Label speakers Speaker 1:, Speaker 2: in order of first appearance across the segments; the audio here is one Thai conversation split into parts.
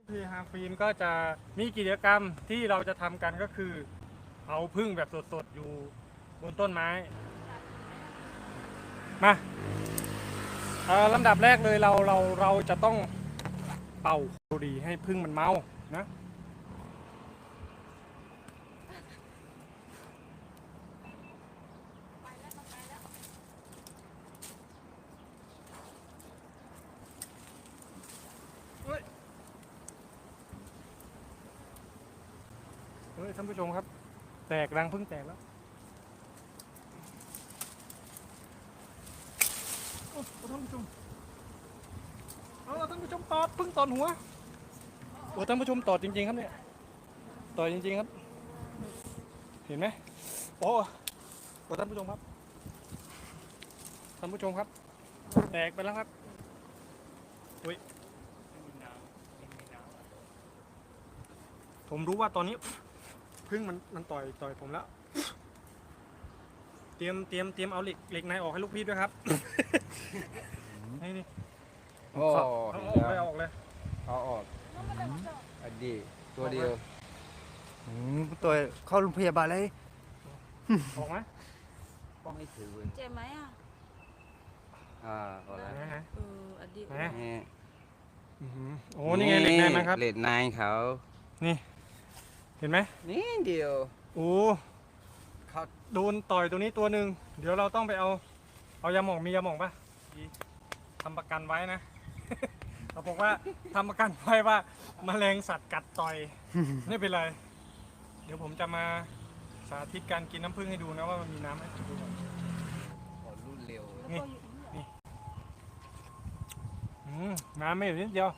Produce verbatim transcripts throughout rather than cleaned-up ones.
Speaker 1: ที่ฮาฟิล์มก็จะมีกิจกรรมที่เราจะทำกันก็คือเอาพึ่งแบบสดๆอยู่บนต้นไม้มาลำดับแรกเลยเราเราเราจะต้องเป่าบุหรี่ให้พึ่งมันเมานะเฮ้ยเฮ้ยท่านผู้ชมครับแตกรังพึ่งแตกแล้วโอ้ท่านผู้ชมเอาท่านผู้ชมตอดพึ่งตอดหัวโอ้ท่านผู้ชมตอดจริงๆครับเนี่ยตอดจริงๆครับเห็นไหมโอ้โอ้ท่านผู้ชมครับท่านผู้ชมครับแตกไปแล้วครับอุ้ยผมรู้ว่าตอนนี้พึ่งมันมันต่อยต่อยผมแล้วเตรียมเตรียมเตรียมเอาเหล็กเหล็กในออกให้ลูกพี่ด้วยครับนี่นี่
Speaker 2: โอ้
Speaker 1: เอาออกเลยเอาออกเลย
Speaker 2: เอาออกอดีตัวเดียว
Speaker 3: ตัวเข้าโรงพยาบาลเลย
Speaker 1: ออกไหม
Speaker 2: ต้องให้ถือ
Speaker 4: เจ็บไหมอ่ะ
Speaker 2: อ่าพอแล้ว
Speaker 1: นะฮะ
Speaker 4: เอออดีต
Speaker 1: นะ
Speaker 2: นี่
Speaker 1: โอ้นี่ไงเหล็กในนะครับ
Speaker 2: เหล็กในเขา
Speaker 1: นี่เห็นไหม
Speaker 2: นี่เดียว
Speaker 1: โอ้
Speaker 2: เขา
Speaker 1: โดนต่อยตัวนี้ตัวหนึ่งเดี๋ยวเราต้องไปเอาเอายาหม่องมียาหม่องปะทำประกันไว้นะ เขาบอกว่าทำประกันไว้ว่าแมลงสัตว์กัดต่อย ไม่เป็นไรเดี๋ยวผมจะมาสาธิตการกินน้ำผึ้งให้ดูนะว่ามันมีน้ำไหมดูก่อน
Speaker 2: ขอรุ่นเร็ว
Speaker 1: นี่นี่อืมน้ำไม่อยู่นิดเดียว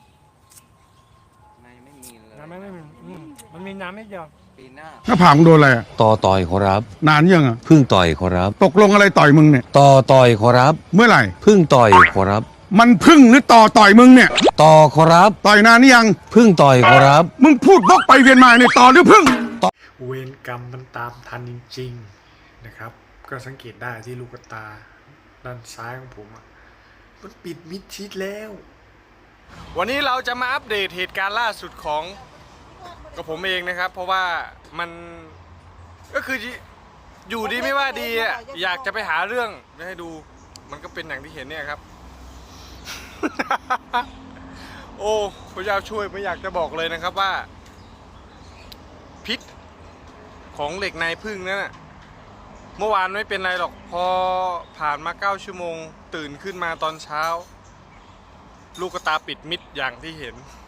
Speaker 2: ในไม่มีเลย
Speaker 1: น้ำไม่ไม่มีอืมมันมีน้ำนิดเดียว
Speaker 2: ปีหน้า
Speaker 5: หน้าผากมึงโดนอะไรอะ
Speaker 6: ต่อต่อยขอรับ
Speaker 5: นานยังอะ
Speaker 6: พึ่งต่อยขอรับ
Speaker 5: ตกลงอะไรต่อยมึงเนี่ย
Speaker 6: ต่อต่อยขอรับ
Speaker 5: เมื่อไหร่
Speaker 6: พึ่งต่อยขอรับ
Speaker 5: มันพึ่งหรือต่อต่อยมึงเนี่ย
Speaker 6: ต่อขอรับ
Speaker 5: ต่อยนานนี่ยัง
Speaker 6: พึ่งต่อยขอรับ
Speaker 5: มึงพูดวกไปเวียนมาเนี่ยต่อหรือพึ่ง
Speaker 1: เวรกรรมมันตามทันจริงๆนะครับ ก็สังเกตได้ที่ลูกตาด้านซ้ายของผมอะมันปิดมิดชิดแล้ว วันนี้เราจะมาอัปเดตเหตุการณ์ล่าสุดของกับผมเองนะครับ เพราะว่ามันก็คืออยู่ดีไม่ว่าดีอะอยากจะไปหาเรื่องให้ดูมันก็เป็นอย่างที่เห็นเนี่ยครับ โอ้พระเจ้าช่วยไม่อยากจะบอกเลยนะครับว่าพิษของเหล็กในพึ่งนั่นน่ะเมื่อวานไม่เป็นไรหรอกพอผ่านมาเก้าชั่วโมงตื่นขึ้นมาตอนเช้าลูกตาปิดมิดอย่างที่เห็น